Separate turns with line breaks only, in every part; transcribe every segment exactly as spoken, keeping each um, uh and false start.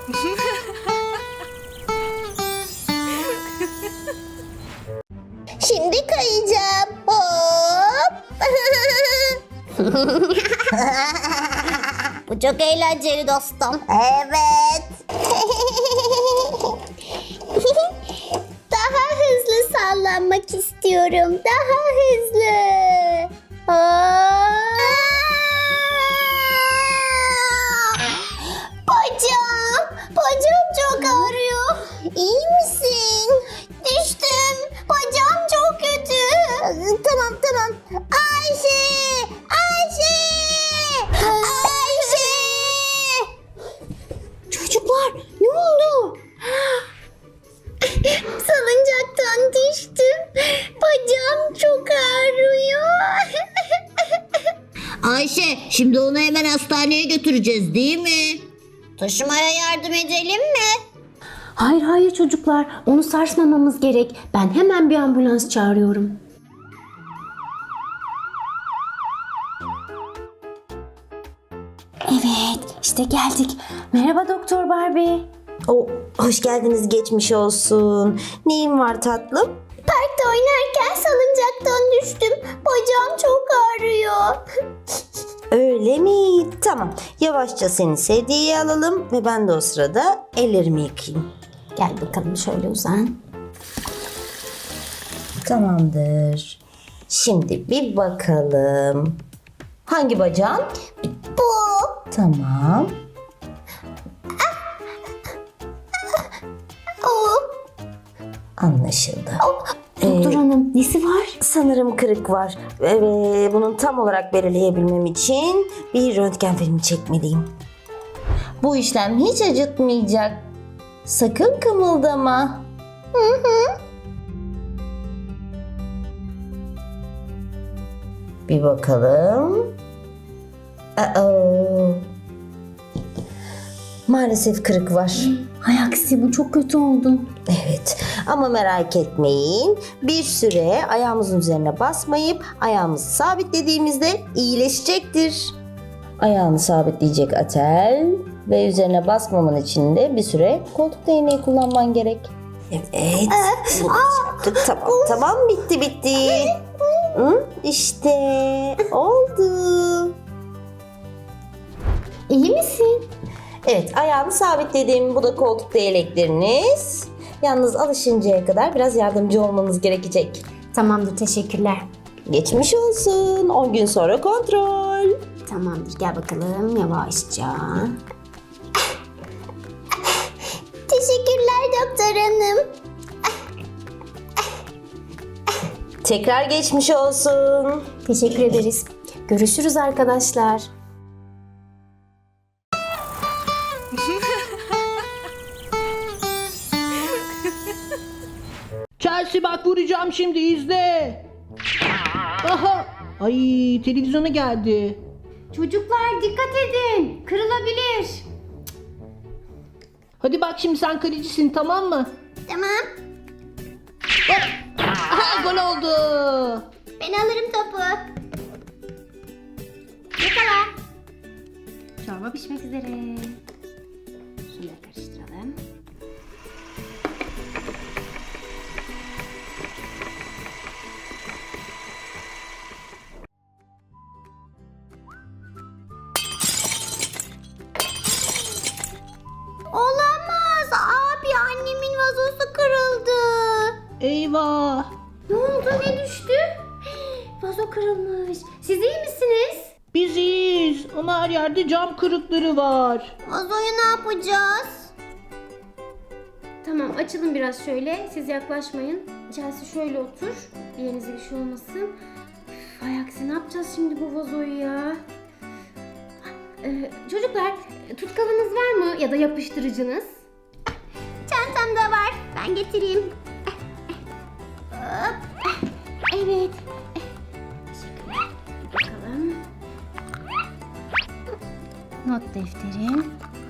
Şimdi kayacağım. Hop. Bu çok eğlenceli dostum. Evet. Daha hızlı sallanmak istiyorum. Daha hızlı. Hop. Bacağım. Bacağım çok ağrıyor. İyi misin? Düştüm. Bacağım çok kötü. Tamam tamam. Ayşe! Ayşe! Ayşe! Çocuklar ne oldu? Salıncaktan düştüm. Bacağım çok ağrıyor.
Ayşe, şimdi onu hemen hastaneye götüreceğiz değil mi?
Taşımaya yardım edelim mi?
Hayır hayır çocuklar, onu sarsmamamız gerek. Ben hemen bir ambulans çağırıyorum. Evet, işte geldik. Merhaba Doktor Barbie.
O, hoş geldiniz, geçmiş olsun. Neyin var tatlım?
Parkta oynarken salıncaktan düştüm. Bacağım çok ağrıyor.
Öyle mi? Tamam. Yavaşça seni sedyeye alalım ve ben de o sırada ellerimi yıkayayım.
Gel bakalım şöyle uzan.
Tamamdır. Şimdi bir bakalım. Hangi bacağın?
Bu.
Tamam.
O.
Anlaşıldı.
Doktor hanım, nesi var?
Sanırım kırık var. Ve bunun tam olarak belirleyebilmem için bir röntgen filmi çekmeliyim. Bu işlem hiç acıtmayacak. Sakın kımıldama. Hı hı. Bir bakalım. Uh-oh. Maalesef kırık var.
Hay aksi, bu çok kötü oldu.
Evet, ama merak etmeyin. Bir süre ayağımızın üzerine basmayıp ayağımızı sabitlediğimizde iyileşecektir. Ayağını sabitleyecek atel ve üzerine basmaman için de bir süre koltuk değneği kullanman gerek. Evet, bunu yaptık. Tamam, tamam, bitti bitti. Hı, işte oldu.
İyi misin?
Evet, ayağını sabitledim. Bu da koltuk değnekleriniz. Yalnız alışıncaya kadar biraz yardımcı olmanız gerekecek.
Tamamdır, teşekkürler.
Geçmiş olsun. on gün sonra kontrol.
Tamamdır, gel bakalım yavaşça.
Teşekkürler doktor hanım.
Tekrar geçmiş olsun.
Teşekkür ederiz. Görüşürüz arkadaşlar.
Chelsea bak vuracağım şimdi izle. Aha. Ay televizyona geldi.
Çocuklar dikkat edin. Kırılabilir.
Hadi bak şimdi sen kalecisin tamam mı?
Tamam.
Aha gol oldu.
Ben alırım topu. Yakala.
Çorba pişmek üzere. Şunu da karıştıralım.
Olamaz. Abi annemin vazosu kırıldı.
Eyvah.
Ne oldu? Ne düştü? Vazo kırılmış. Siz iyi misiniz?
Biz iyiyiz ama her yerde cam kırıkları var.
Vazoyu ne yapacağız?
Tamam, açılın biraz şöyle. Siz yaklaşmayın. Chelsea şöyle otur. Yerinize bir şey olmasın. Üf, ay aksi, ne yapacağız şimdi bu vazoyu ya? Ee, çocuklar, tutkalınız var mı? Ya da yapıştırıcınız?
Çantamda var. Ben getireyim. Hop.
Evet. Teşekkürler. Bakalım. Not defterin.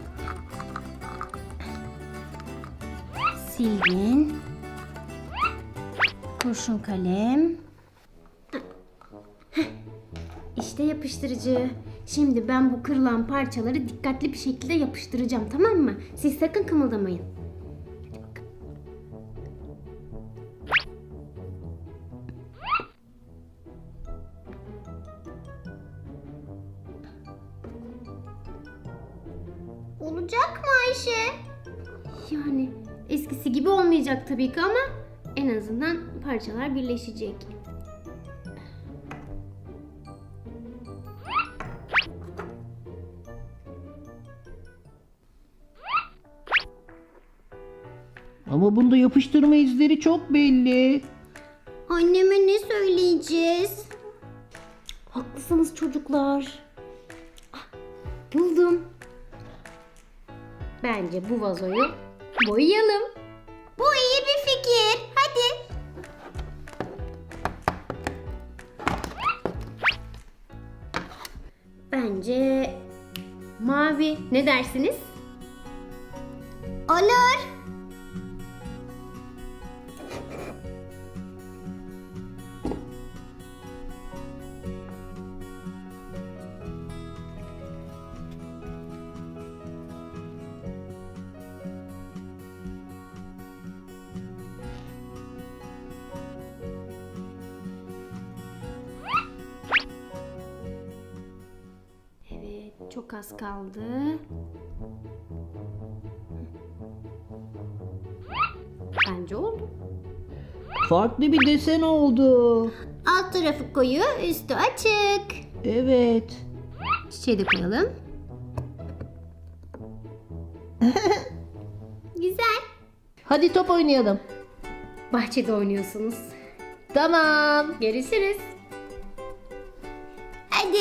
Silgin. Kurşun kalem. İşte yapıştırıcı. Şimdi ben bu kırılan parçaları dikkatli bir şekilde yapıştıracağım, tamam mı? Siz sakın kımıldamayın. Hadi bakalım.
Olacak mı Ayşe?
Yani eskisi gibi olmayacak tabii ki ama en azından parçalar birleşecek.
Ama bunda yapıştırma izleri çok belli.
Anneme ne söyleyeceğiz?
Haklısınız çocuklar. Ah, buldum. Bence bu vazoyu boyayalım.
Bu iyi bir fikir. Hadi.
Bence mavi. Ne dersiniz?
Olur.
Evet, çok az kaldı. Bence oldu.
Farklı bir desen oldu.
Alt tarafı koyu, üstü açık.
Evet.
Çiçeği de koyalım.
Güzel.
Hadi top oynayalım.
Bahçede oynuyorsunuz.
Tamam.
Görüşürüz.
Hadi.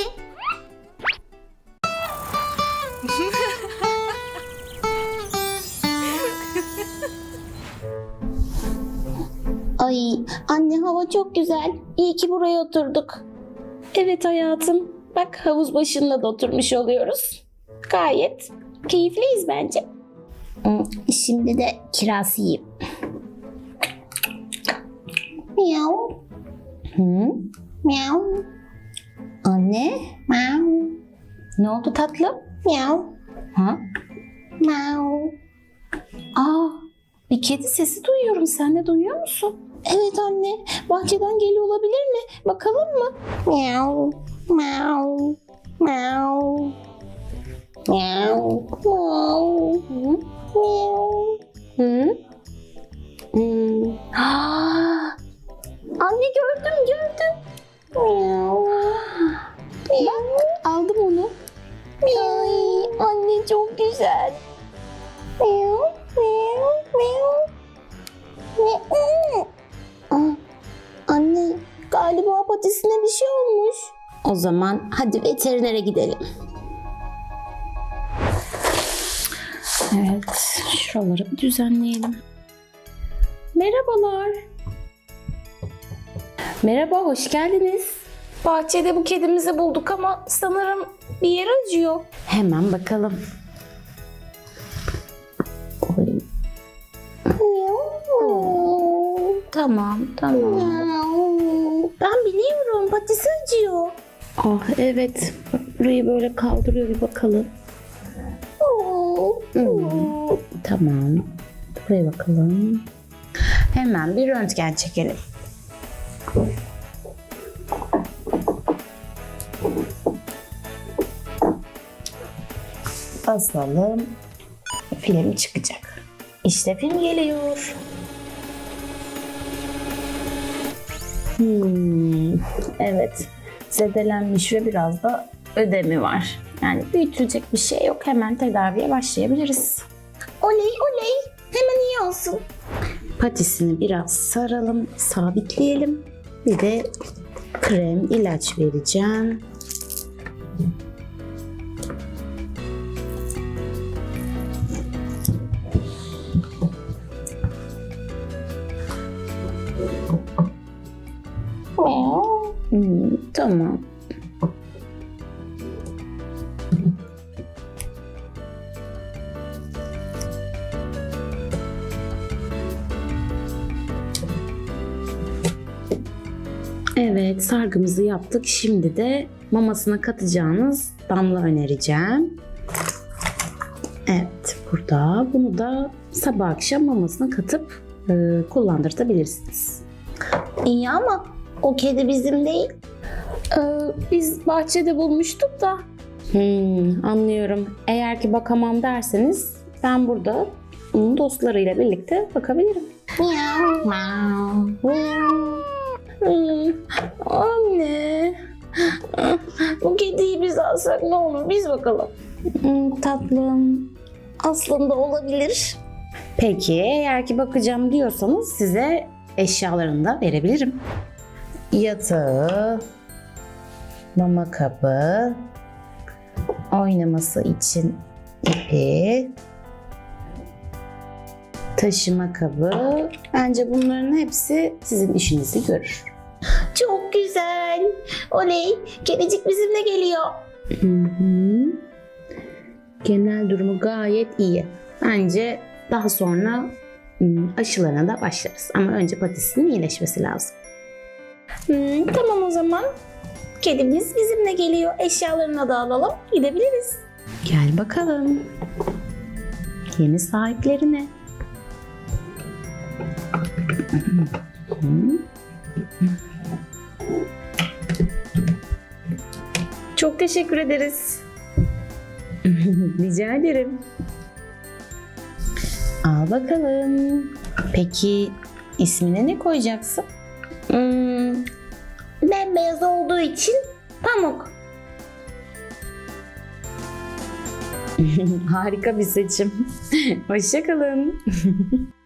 Ay anne, hava çok güzel. İyi ki buraya oturduk.
Evet hayatım. Bak havuz başında da oturmuş oluyoruz. Gayet keyifliyiz bence.
Hmm, Şimdi de kiraz yiyeyim. Miau. Hı? Miau. Anne. Miau.
Ne oldu tatlım?
Miau.
Ha?
Miau.
Aa, bir kedi sesi duyuyorum. Sen de duyuyor musun? Evet anne. Bahçeden geliyor olabilir mi? Bakalım mı?
Miau. Miau. Miau. Miau. Miau.
Hı?
Miau.
Hı?
Hmm.
Aa,
Anne, gördüm gördüm. Miau. Miau.
aldım onu.
Ay, anne çok güzel. Miau. Miau. Miau. Miau. Aa, Anne, galiba patisine bir şey olmuş.
O zaman hadi veterinere gidelim. Evet, şuraları bir düzenleyelim. Merhabalar. Merhaba, hoş geldiniz. Bahçede bu kedimizi bulduk ama sanırım bir yer acıyor. Hemen bakalım. Oy,
Miau.
tamam, tamam.
Miau. Ben biliyorum, patisi acıyor.
Ah evet, burayı böyle kaldırıyor bir bakalım. Hmm, tamam. Buraya bakalım. Hemen bir röntgen çekelim. Basalım. Film çıkacak. İşte film geliyor. Hmm, evet. Zedelenmiş ve biraz da ödemi var. Yani büyütülecek bir şey yok. Hemen tedaviye başlayabiliriz.
Oley oley. Hemen iyi olsun.
Patisini biraz saralım, sabitleyelim. Bir de krem, ilaç vereceğim.
Miau.
Hmm, tamam. Evet, sargımızı yaptık. Şimdi de mamasına katacağınız damla önereceğim. Evet, burada bunu da sabah akşam mamasına katıp e, kullandırtabilirsiniz.
İyi ama o kedi bizim değil.
Ee, biz bahçede bulmuştuk da. Hmm, anlıyorum. Eğer ki bakamam derseniz ben burada onun dostlarıyla birlikte bakabilirim.
Miau, miau.
Hmm, anne. Bu kediyi biz alsak ne olur? Biz bakalım.
Hmm, tatlım. Aslında olabilir.
Peki eğer ki bakacağım diyorsanız size eşyalarını da verebilirim. Yatağı, mama kabı, oynaması için ipi, taşıma kabı. Bence bunların hepsi sizin işinizi görür.
Çok güzel. Oley. Kedicik bizimle geliyor.
Hı hı. Genel durumu gayet iyi. Bence daha sonra ım, aşılarına da başlarız. Ama önce patisinin iyileşmesi lazım.
Hmm, tamam o zaman. Kedimiz bizimle geliyor. Eşyalarını da alalım. Gidebiliriz.
Gel bakalım. Yeni sahiplerine. Çok teşekkür ederiz. Rica ederim. Al bakalım. Peki ismine ne koyacaksın?
Hmm, bembeyaz olduğu için Pamuk.
Harika bir seçim. Hoşça kalın.